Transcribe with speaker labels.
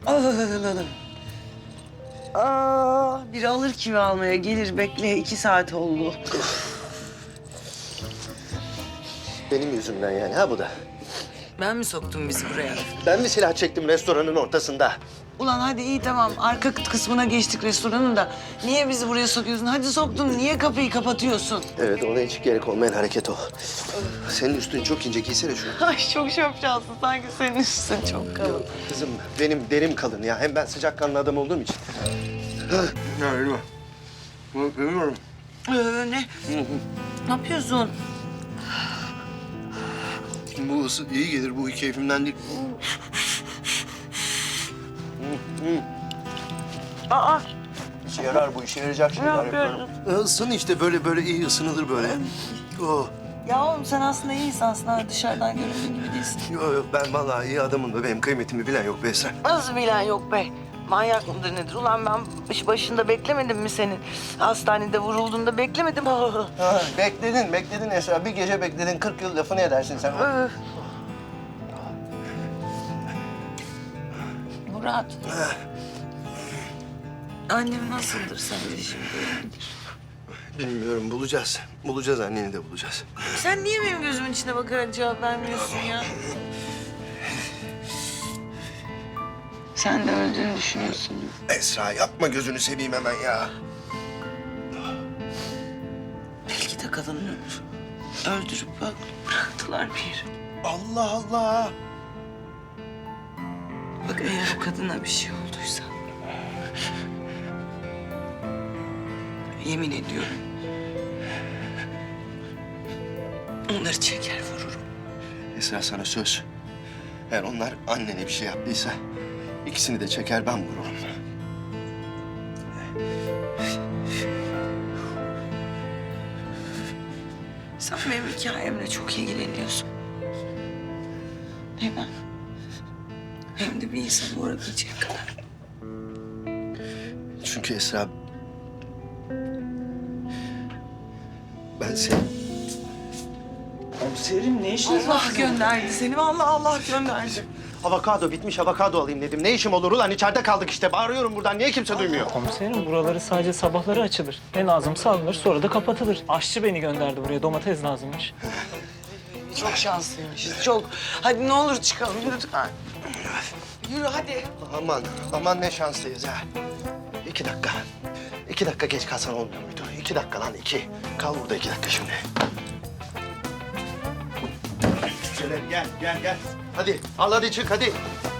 Speaker 1: Biri alır kimi almaya gelir. Bekle 2 saat oldu.
Speaker 2: Benim yüzümden yani ha bu da.
Speaker 1: Ben mi soktum bizi buraya?
Speaker 2: Ben mi silah çektim restoranın ortasında?
Speaker 1: Ulan hadi iyi tamam. Arka kısmına geçtik restoranın da. Niye bizi buraya sokuyorsun? Hadi soktun. Niye kapıyı kapatıyorsun?
Speaker 2: Evet, ona hiç gerek olmayan hareket o. Senin üstün çok ince, giysene şunu.
Speaker 1: Ay çok şapşalsın. Sanki senin üstün çok kalın.
Speaker 2: Kızım, benim derim kalın ya. Hem ben sıcakkanlı adam olduğum için. Ya Elma. Bilmiyorum.
Speaker 1: Ne? Ne yapıyorsun?
Speaker 2: Bu ısı iyi gelir, bu keyfimden değil.
Speaker 1: Aa,
Speaker 2: İşe yarar bu, işe yarayacak
Speaker 1: ne
Speaker 2: şeyler
Speaker 1: yapıyorsun?
Speaker 2: yapıyorum. Isın işte, böyle iyi ısınılır böyle. Oh.
Speaker 1: Ya oğlum sen aslında iyi insansın ha. Dışarıdan göründüğün gibi değilsin.
Speaker 2: Yok, ben vallahi iyi adamım da benim kıymetimi bilen yok be Esra.
Speaker 1: Nasıl bilen yok be? Manyak mıdır nedir? Ulan ben başında beklemedim mi senin? Hastanede vurulduğunda beklemedim.
Speaker 2: Ha, bekledin Esra. Bir gece bekledin, 40 yıl lafını edersin sen.
Speaker 1: Murat. Annem nasıldır sence şimdi?
Speaker 2: Bilmiyorum, bulacağız. Bulacağız, anneni de bulacağız.
Speaker 1: Sen niye benim gözümün içine bakarak cevap vermiyorsun ya? Sen de öldüğünü düşünüyorsun.
Speaker 2: Esra yapma, gözünü seveyim hemen ya.
Speaker 1: Belki de kadını öldürüp bıraktılar bir yere.
Speaker 2: Allah Allah.
Speaker 1: Bak eğer o kadına bir şey olduysa... Yemin ediyorum... Onları çeker vururum.
Speaker 2: Esra, sana söz. Eğer onlar annene bir şey yaptıysa ikisini de çeker, ben vururum.
Speaker 1: Sen benim hikayemle çok ilgileniyorsun. Hem ben... Hem de bir insanı uğramayacak kadar.
Speaker 2: Çünkü Esra... Ben seni...
Speaker 3: Komiserim ne işiniz var?
Speaker 1: Allah gönderdi seni. Vallahi Allah gönderdi.
Speaker 2: Avokado bitmiş, avokado alayım dedim. Ne işim olur ulan? İçeride kaldık işte. Bağırıyorum buradan. Niye kimse duymuyor?
Speaker 3: Komiserim buraları sadece sabahları açılır. Ne lazımsa alınır sonra da kapatılır. Aşçı beni gönderdi buraya, domates lazımmış.
Speaker 1: Çok şanslıymışız. Çok. Hadi ne olur çıkalım lütfen. Yürü hadi.
Speaker 2: Aman ne şanslıyız ha. 2 dakika. 2 dakika geç kalsan olmuyor muydu? 2 dakika lan, 2. Kal burada 2 dakika şimdi. Gel. Hadi al, hadi çık hadi.